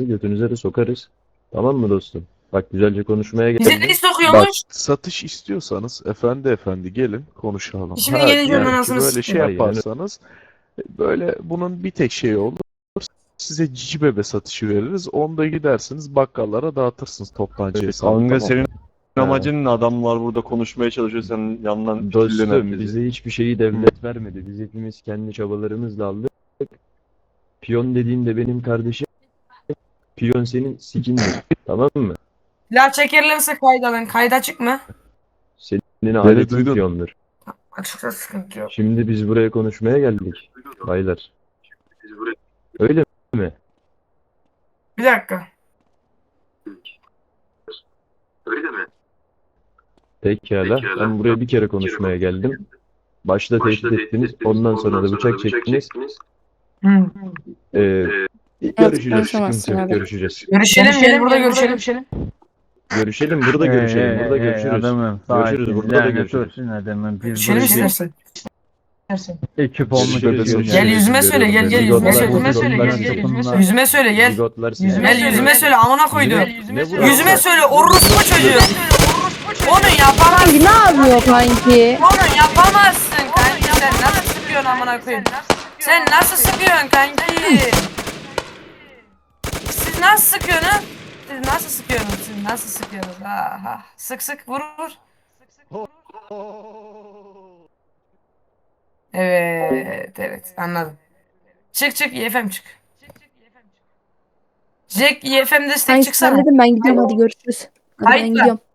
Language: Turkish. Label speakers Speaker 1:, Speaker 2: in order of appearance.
Speaker 1: paranızı götünüze de sokarız. Tamam mı dostum? Bak güzelce konuşmaya
Speaker 2: Bize
Speaker 1: geldim.
Speaker 2: ne
Speaker 3: Bak,
Speaker 2: sokuyormuş?
Speaker 3: satış istiyorsanız efendi gelin konuşalım.
Speaker 2: Şimdi
Speaker 3: Ha,
Speaker 2: geleceğim
Speaker 3: diyelim ki
Speaker 2: anasını
Speaker 3: böyle şey
Speaker 2: sikeyim.
Speaker 1: Aynen öyle.
Speaker 3: yaparsanız böyle bunun bir tek şeyi olur. Size cici bebe satışı veririz. Onu da gidersiniz bakkallara dağıtırsınız toptancı hesabı.
Speaker 4: Kanka
Speaker 3: Tamam
Speaker 4: senin
Speaker 3: mı?
Speaker 4: amacın ne? Adamlar burada konuşmaya çalışıyor, sen yandan
Speaker 1: Dostum
Speaker 4: fitillenen bizi.
Speaker 1: bize hiçbir şeyi devlet vermedi. Biz hepimiz kendi çabalarımızla aldık. Piyon dediğin de benim kardeşim. Piyon senin sikindir. Tamam mı?
Speaker 2: Silah çekerlerse kayda Kayda açık mı?
Speaker 1: Senin aletin
Speaker 3: duydun.
Speaker 1: piyondur.
Speaker 2: Açıkta sıkıntı yok.
Speaker 1: Şimdi biz buraya konuşmaya geldik. Baylar. Öyle mi?
Speaker 2: Bir dakika.
Speaker 1: Pekala. Ben buraya bir kere konuşmaya geldim. Başta tehdit ettiniz. Ondan sonra da bıçak çektiniz.
Speaker 2: Hı.
Speaker 1: Görüşeceğiz.
Speaker 5: konuşamazsın
Speaker 1: Sıkıntı yok.
Speaker 5: abi.
Speaker 1: Görüşeceğiz.
Speaker 2: Görüşelim, gel burada görüşelim.
Speaker 1: Görüşelim. Burada görüşelim. Burada görüşürüz.
Speaker 6: Adamım,
Speaker 1: Görüşürüz. Burada da görüşürüz.
Speaker 6: Olsun adamım. Biz
Speaker 2: Görüşelim
Speaker 6: böyle
Speaker 2: istersen.
Speaker 6: ekip olmak
Speaker 1: Görüşürüz,
Speaker 6: üzere.
Speaker 2: Gel yüzüme söyle, gel yüzüme söyle. Yüzüme söyle gel.
Speaker 1: Zigotlar sizi.
Speaker 2: Gel yüzüme söyle amına koydum.
Speaker 1: Ne vuruyorsun?
Speaker 2: Yüzüme söyle orospu çocuğu. Onu yapamazsın.
Speaker 5: Kanki ne yapıyor kanki?
Speaker 2: Onu yapamazsın kanki. Sen nasıl sıkıyorsun amına koyayım? Sen nasıl sıkıyorsun kanki? Siz nasıl sıkıyorsunuz? Siz nasıl sıkıyorsunuz? Siz nasıl sıkıyorsunuz? Ha ha. Sık sık vur vur. Evet anladım. Çık YFM çık. Jack YFM destek
Speaker 5: Kanki
Speaker 2: çıksana.
Speaker 5: sen dedim ben gidiyorum hadi görüşürüz. Hadi ben
Speaker 2: Kayıtla.
Speaker 5: gidiyorum.